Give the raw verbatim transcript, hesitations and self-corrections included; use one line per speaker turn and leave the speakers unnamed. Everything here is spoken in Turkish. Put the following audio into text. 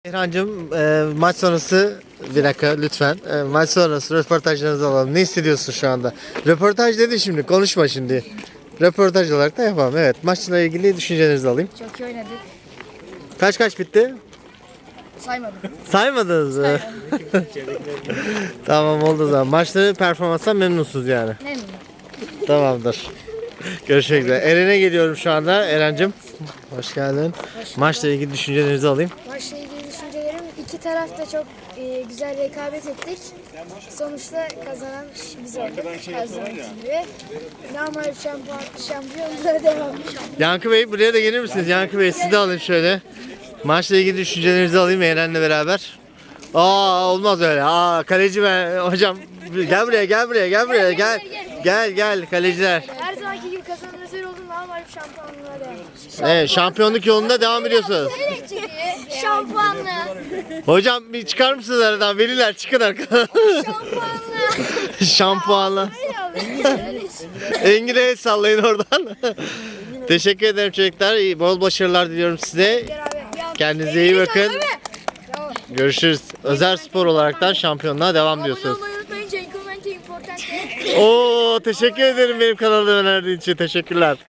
İrhancığım, e, maç sonrası bir dakika lütfen. E, maç sonrası röportajlarınızı alalım. Ne hissediyorsun şu anda? Röportaj dedi şimdi, konuşma şimdi. Röportaj olarak da yapalım. Evet, maçla ilgili düşüncelerinizi alayım.
Çok iyi oynadık.
Kaç kaç bitti?
Saymadım.
Saymadınız mı? Tamam, oldu o zaman. Maçları performanstan memnunsunuz yani.
Memnunum.
Tamamdır. Görüşmek üzere. Eren'e geliyorum şu anda. Eren'cim, hoş geldin. Maçla ilgili düşüncelerinizi alayım.
Maçla ilgili düşüncelerim, iki taraf da çok e, güzel rekabet ettik. Sonuçta kazanan biz olduk her zamanki gibi. Normal şampiyon, şampiyonluğa devam.
Yankı Bey, buraya da gelir misiniz? Yankı Bey, sizi de alayım şöyle. Maçla ilgili düşüncelerinizi alayım Eren'le beraber. Aa, olmaz öyle. Aa, kaleci ben hocam, gel buraya, gel buraya, gel buraya, gel. Gel gel kaleciler.
Her zamanki gibi kazanan özel oldu, normal şampiyonluğa devam.
Evet, şampiyonluk yolunda devam ediyorsunuz.
Şampuanlı.
Hocam bir çıkar mısınız aradan? Veliler çıkın arkadan.
Şampuanlı.
Şampuanla. Engin'e el sallayın oradan. Teşekkür ederim çocuklar. İyi, bol başarılar diliyorum size. Kendinize iyi bakın. Görüşürüz. Özel spor olaraktan şampiyonluğa devam diyorsunuz. Oo, teşekkür ederim benim kanalıma önerdiğin için. Teşekkürler.